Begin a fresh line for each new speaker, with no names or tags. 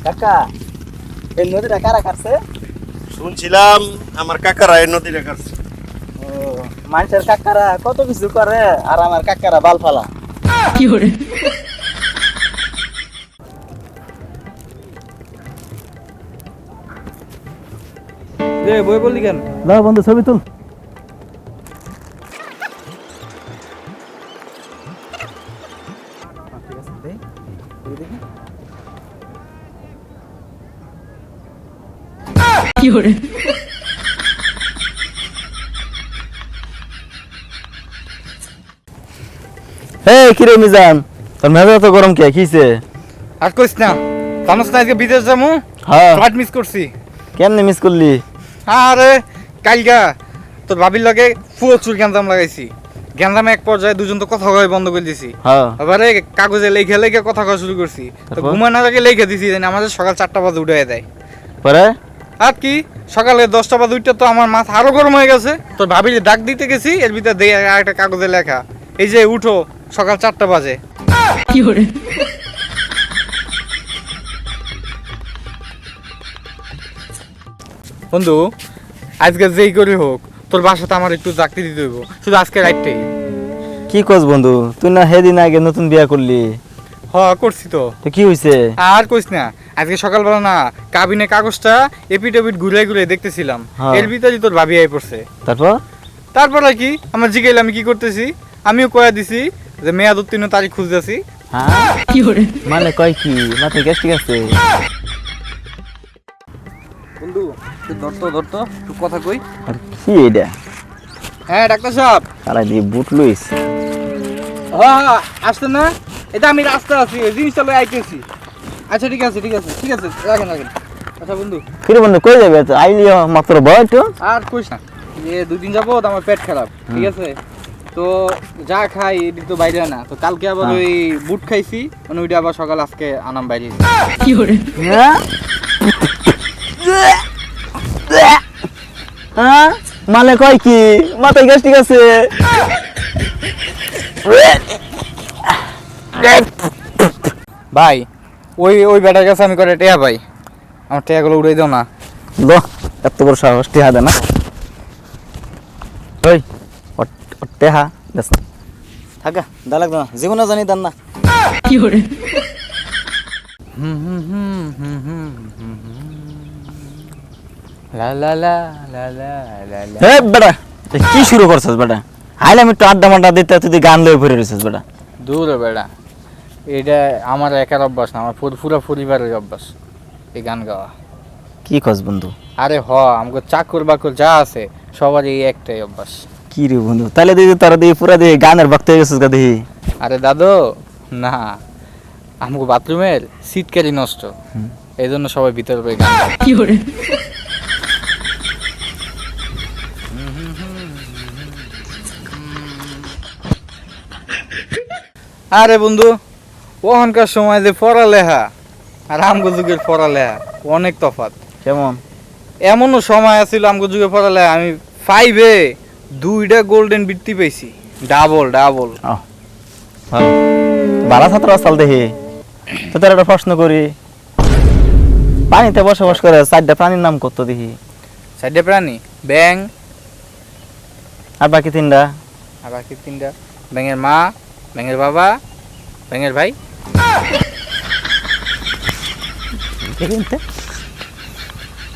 কাকা এই নদীটা কারা কাটছে?
শুনছিলাম আমার কাকারা এই নদীটা কাটছে।
ও মানুষের কাকারা কত কিছু করে আর আমার কাকারা বাল ফালা।
কি করে?
রে বই বললি কেন?
দাও বন্ধু ছবি তুল।
কি করে?
এই কিরে মিজান, তোর মেজাজ তো গরম কে কিছে?
আর কইস না, জানোস না আজকে বিদেশ যাবো,
হ্যাঁ
ফ্লাইট মিস করছি।
কেমনে মিস করলি?
আরে কালকা তোর ভাবির লগে প্রচুর গ্যাঞ্জাম লাগাইছি। গ্যাঞ্জামে এক পর্যায়ে দুজন তো কথা কয় বন্ধ করে দিছি।
হ্যাঁ
এবারে কাগজে লেখে লেখে কথা কওয়া শুরু করছি। তো
তারপর?
ঘুমানোর আগে লেখে দিছি যেন আমাদের সকাল 4টা বাজে উঠে দেয়।
পরে
আর কি সকালে 10টা বাজে উঠতে তো আমার মাথা আরো গরম হয়ে গেছে। তোর ভাবির ডাক দিতে গেছি, এর ভিতরে দেয় আর একটা কাগজে লেখা, এই যে উঠো সকাল 4টা বাজে।
কি করে?
বন্ধু আজকে যেই করে হোক তোর বাসাতে আমার একটু চাকরি দিতে হইব, শুধু আজকে রাইটটাই।
কি কস বন্ধু, তুই না সেদিন আগে নতুন বিয়া করলি?
করছি তো।
তো কি হইছে?
আর কইস না, আজকে সকালবেলা না কাবিনে কাগজটা এপিডেভিট ঘুরে ঘুরে দেখতেছিলাম,
হ্যাঁ।
এর ভিতরে তোর ভাবি আই পড়ছে।
তারপর?
তারপর আর কি আমার জিগাইলে আমি কি করতেছি, আমিও কয়া দিছি যে মেয়াদ উত্তীর্ণ তারিখ খুঁজতেছি।
হ্যাঁ
কি করে?
মানে কয় কি মাথায় গ্যাস ঠিক আছে?
বন্ধু তুই ধরতো একটু কথা কই।
আর কি এটা?
হ্যাঁ ডাক্তার সাহেব।
তারা দিয়ে বুট লইস।
হ্যাঁ আসতে না, এটা আমি রাস্তা আছি, এই জিনিসটা লই আইতেছি। আচ্ছা ঠিক আছে রাখেন। আচ্ছা বন্ধু
কিরে বন্ধু কই যাবে? আইলি মাত্র বয় তো।
আর কইস না, যে 2 দিন যাবো আমার পেট খারাপ, ঠিক আছে? তো যা খাই এটি তো বাইরে না, তো কালকে আবার
হ্যাঁ।
ওই বুট খাইছি, মানে ওইটা আবার সকাল আজকে আনাম বাইরে।
কি করে?
হ্যাঁ হ্যাঁ মানে কয় কি মাথায় গ্যাস ঠিক আছে?
ভাই ওই বেটার কাছে আমি করে টেয়া ভাই, আমার টেয়াগুলো উড়াই দাও না।
লো এত বড় সাহস টেহা দে না। ওই টেহা দেখ না, থাকা দা লাগবে না, জীবনে জানি দেন না।
কি করে?
লা লা লা লা লা লা লা।
হে বেটা এ কি শুরু করছিস বেটা? আইলাম একটু আড্ডা মাড্ডা দিতে, তুই গান লয়ে পড়ে রয়েছিস বেটা।
দূর হ বেটা, এটা আমার একার অভ্যাস না, আমার পুরো পরিবারের অভ্যাস এই গান গাওয়া।
কি কস বন্ধু?
আরে আমাকে চাকর বাকর যা আছে সবার এই একটাই অভ্যাস।
কি রে বন্ধু, তাহলে দিদি তোরা দিদি পুরা দিদি গানের ভক্ত হয়ে গেছিস গা দিদি।
আরে দাদু না, আমাকে বাথরুমের সিটকারি নষ্ট, এই জন্য সবাই ভিতরে বই গান গায়।
কি করে?
আরে বন্ধু ওখানকার সময় যে পড়ালেখা আর আমগো যুগের পড়ালেখা অনেক তফাৎ।
কেমন?
এমনও সময় আছিল আমগো যুগে পড়ালেখা আমি 5-এ 2টা গোল্ডেন বৃত্তি পেয়েছি, ডাবল।
ভালো ভালো ছাত্র আসাল দেখি। তো তোর একটা প্রশ্ন করি, পানিতে বসবাস করে 4টা প্রাণীর নাম কত দেখি?
4টে প্রাণী, ব্যাং
আর বাকি 3টা?
আর বাকি 3টা, ব্যাঙের মা, ব্যাঙের বাবা, ব্যাঙের ভাই।
দেখি